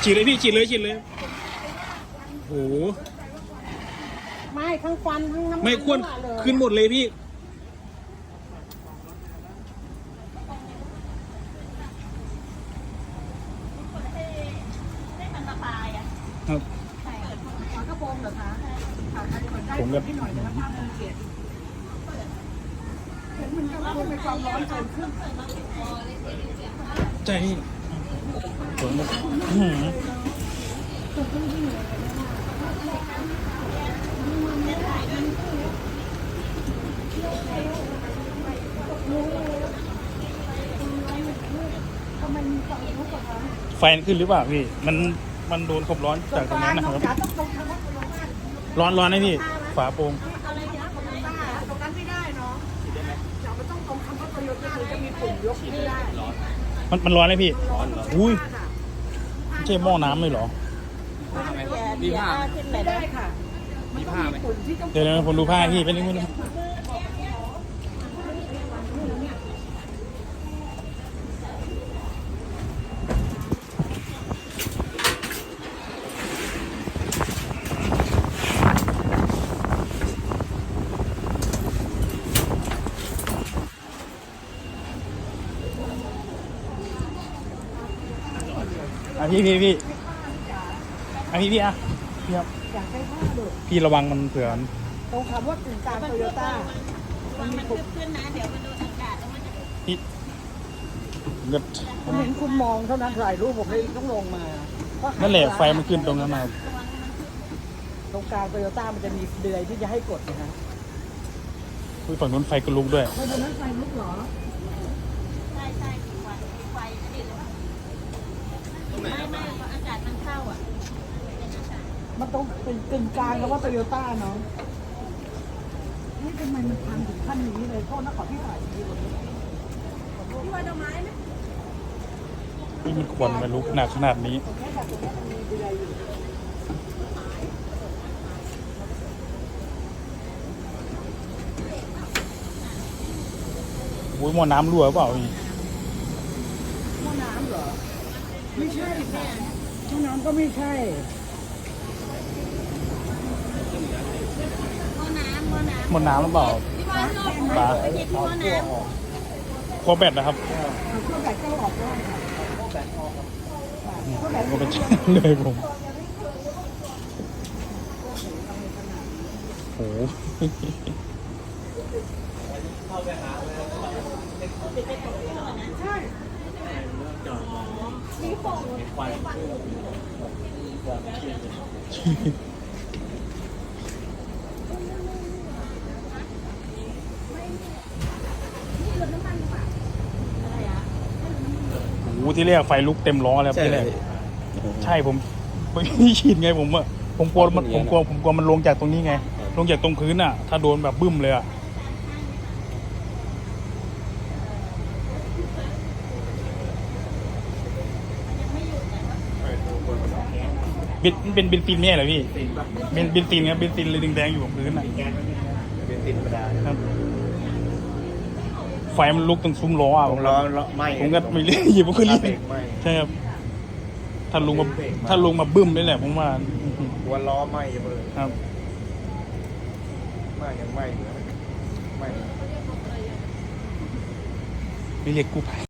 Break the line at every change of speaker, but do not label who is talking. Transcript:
ฉีดเลยพี่ฉีดเลยโอ้โห
ไม่ทั้งควันทั้งน้ำมัน
ไม่ควรขึ้นหมดเลยพี่ครับ
ฝากระโปรงเหรอคะ
ผมก็
มันก็ควรเป็นความร้อนเกินขึ้น
ใจพี่ผมก็ไฟขึ้นหรือเปล่าพี่มันโดนความร้อนจากตรงนั้นนะครับร้อนนะพี่ฝาโปร่ง
ตรงนั้นไม่ได้เนาะเดี๋ยวมันต้องตรงคำว่าโตโยต้าจะมีปุ่มยกไม่ได้
มันร้อนเลยพี่อุ้ยไม่ใช่หม้อน้ำเลยเหรอ
มีผ้าไม่ได้ค่ะมีผ้าไหม
เดี๋ยวผมดูผ้าพี่เป็นยังไงพี่พี่พี่ครับพี่ระวังมันเผื่อ
ตรงคำว่ากึ่งกลางโตโยต้า
มันขึ้นนะเดี๋ยวมันโดนอากาศแล้วมันจะ
พี่เกิด
ผมเห็นคุณมองเท่านั้นถ่ายรูปผมเลยต้องลงมา
นั่นแหละไฟมันขึ้นตรงนั้นมา
ตรงกลางโตโยต้ามันจะมีเดือยที่จะให้กดนะ
ฝั่งนู้นไฟก็ลุกด้วย
ไฟบนนั้นไฟลุกเหรอ
ใช่ไฟนี่เลยไม่อากาศมันเข้าอ่ะ
มันต้องเป็นกึ่งกลางแล้วว่าโตโยต้าเนาะนี่ทำไมมันพังถึงขั้นนี้เลยโทษนะขอพี่ถ่ายดีกว่าพี่ว่าดอกไม้ไหม
นี่มันควันมันลุกหนักขนาดนี้โอ้ยหม้อน้ำรั่วเปล่าพี่
หม้อน้ำเหรอไม่ใช่ค่ะหม้อน้ำก็ไม่ใช่
หม้อน้ำหรือเปล่าปลาคอแบตนะครับ
ข้อแบตก็ออกได้ค่ะข้อแบตออก
ก็เป็นเลยผมโอ้โหที่แรกไฟลุกเต็มล้อแล้วที่แรกใช่ผมไม่ชินไงผมกลัวมันลงจากตรงนี้ไงลงจากตรงพื้นอ่ะถ้าโดนแบบบึ้มเลยอ่ะเป็นเบนซินเนี่ยเหรอพี่เป็นเบนซินครับเบนซินเลยแดงๆอยู่บนพื้นอ่ะ
เบนซินธรรมดา
ครับไฟมันลุกตรงซุ้มล้ออ่ะ
ผม
ก็ไม่เรียกหยิบมันก็รีบใช่ครับถ้าลงมาบึ้มนี่แหละผมว่า
หัวล้อไหม้เลย
ครับ
ไหม้ยังไหม้อยู่ไหม้
ไม่เรียกกู้ภัย